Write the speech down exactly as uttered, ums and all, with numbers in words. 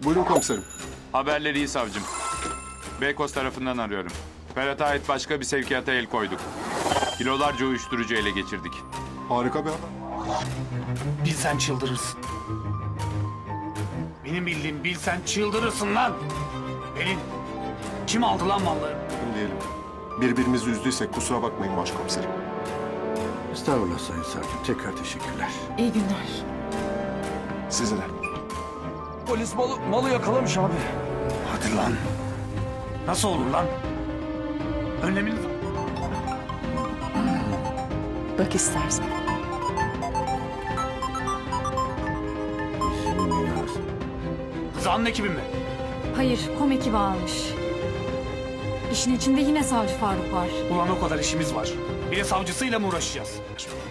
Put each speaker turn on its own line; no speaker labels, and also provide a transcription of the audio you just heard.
Buyurun komiserim.
Haberleri iyi savcım. Beykoz tarafından arıyorum. Ferhat'a ait başka bir sevkiyata el koyduk. Kilolarca uyuşturucu ele geçirdik.
Harika bir haber.
Bilsen çıldırırsın. Benim bildiğim bilsen çıldırırsın lan. Pelin, kim aldı lan malları?
Kim diyelim. Birbirimizi üzdüysek kusura bakmayın başkomiserim.
Estağfurullah Sayın Savcım. Tekrar teşekkürler.
İyi günler.
Size de.
Polis malı, malı yakalamış abi.
Hadi lan. Nasıl olur lan? Önlemini...
Bak istersen.
Senin binası.
Rıza'nın ekibi mi?
Hayır, kom ekibi almış. İşin içinde yine savcı Faruk var.
Ulan o kadar işimiz var. Bir de savcısıyla mı uğraşacağız?